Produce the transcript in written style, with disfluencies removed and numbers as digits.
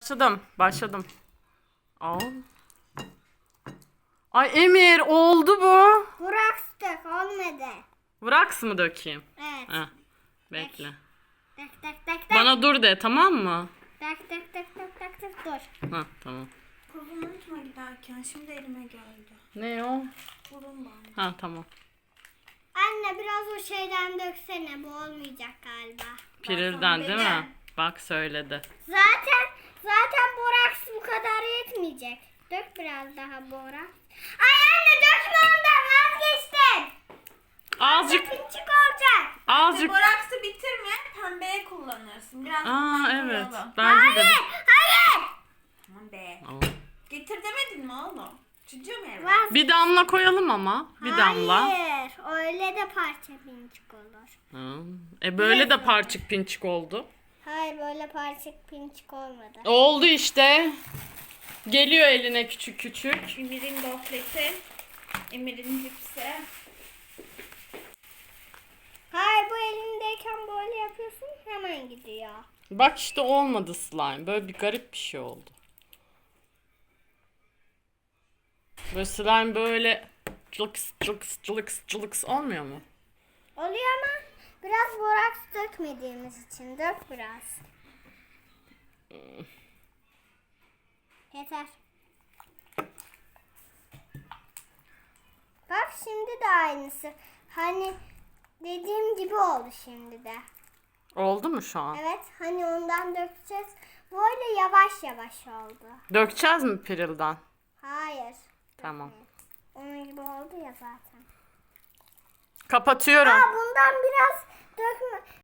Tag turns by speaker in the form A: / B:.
A: Başladım. Al. Ay Emir oldu bu.
B: Bıraktık olmadı.
A: Vraks mı dökeyim?
B: Evet.
A: Heh, bekle.
B: Tak tak tak tak.
A: Bana dur de, tamam mı?
B: Tak tak tak tak tak tak dur.
A: Ha tamam.
C: Kolumu unutma giderken. Şimdi elime geldi.
A: Ne o?
C: Kolum bağlı.
A: Ha tamam.
B: Anne biraz o şeyden döksene, bu olmayacak galiba.
A: Pirilden değil mi?
C: dedim.
A: Bak söyledi.
B: Zaten boraks bu kadar yetmeyecek. Dök biraz daha boraks. Ay anne dökme, ondan vazgeçtim.
A: Azıcık.
B: Pinçik olacak.
A: Azıcık.
C: Boraksı bitirme. Pembeye kullanırsın. Biraz
A: Aa
C: pembe
A: evet.
C: boyayalım.
A: Bence de.
B: Hayır.
C: Aman be.
A: Al.
C: Getir demedin mi oğlum? Çocuğum eve.
A: Bir damla koyalım ama. Bir damla.
B: Hayır. Öyle de parça pinçik olur.
A: Ha. Böyle de parçık pinçik oldu.
B: Hayır, böyle parçık pinçik olmadı.
A: Oldu işte. Geliyor eline küçük küçük.
C: Emir'in gofreti. Emir'in cipsi.
B: Hayır, bu elindeyken böyle yapıyorsun, hemen gidiyor.
A: Bak işte olmadı slime. Böyle bir garip bir şey oldu. Böyle slime böyle cılıks cılıks cılıks cılıks olmuyor mu?
B: Oluyor ama biraz boraks dökmediğimiz için dök biraz. Yeter. Bak şimdi de aynısı. Hani dediğim gibi oldu şimdi de.
A: Oldu mu şu an?
B: Evet, hani ondan dökeceğiz. Böyle yavaş yavaş oldu.
A: Dökeceğiz mi pirilden?
B: Hayır.
A: Tamam.
B: Onun gibi oldu ya zaten.
A: Kapatıyorum.
B: Bundan biraz dökme.